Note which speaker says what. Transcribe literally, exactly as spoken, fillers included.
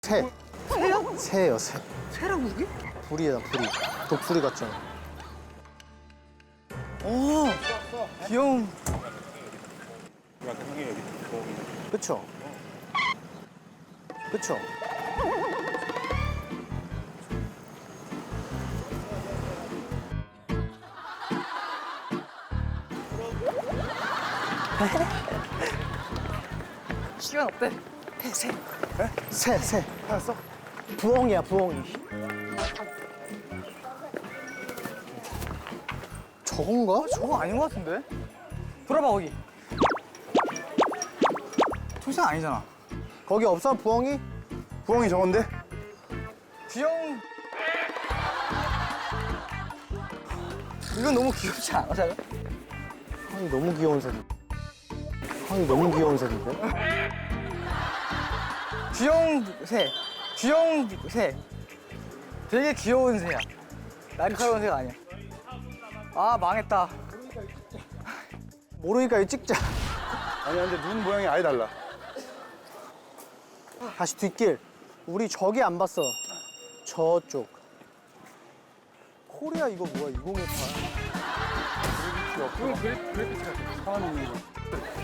Speaker 1: 새.
Speaker 2: 새야?
Speaker 1: 새예요, 새.
Speaker 2: 새라고 그게?
Speaker 1: 불이야, 불이. 독수리 같잖아.
Speaker 2: 오, 귀여운.
Speaker 1: 그쵸? 그쵸?
Speaker 2: 시간 없대. 새.
Speaker 1: 새, 새.
Speaker 2: 알았어?
Speaker 1: 부엉이야, 부엉이. 저건가?
Speaker 2: 저거 아닌 것 같은데? 돌아봐 거기. 초생 아니잖아.
Speaker 1: 거기 없어, 부엉이?
Speaker 3: 부엉이 저건데?
Speaker 2: 귀여운. 이건 너무 귀엽지 않아? 자가?
Speaker 1: 아니, 너무 귀여운 새인데. 아니, 너무 귀여운 새인데?
Speaker 2: 귀여운 새. 귀여운 새. 되게 귀여운 새야. 날카로운 새가 아니야. 아 망했다.
Speaker 1: 모르니까 이거 찍자.
Speaker 3: 아니 근데 눈 모양이 아예 달라.
Speaker 1: 다시 뒷길. 우리 저기 안 봤어. 저쪽. 코리아 이거 뭐야? 이공일팔.
Speaker 3: 그래 그래 그래 사람 있는 거.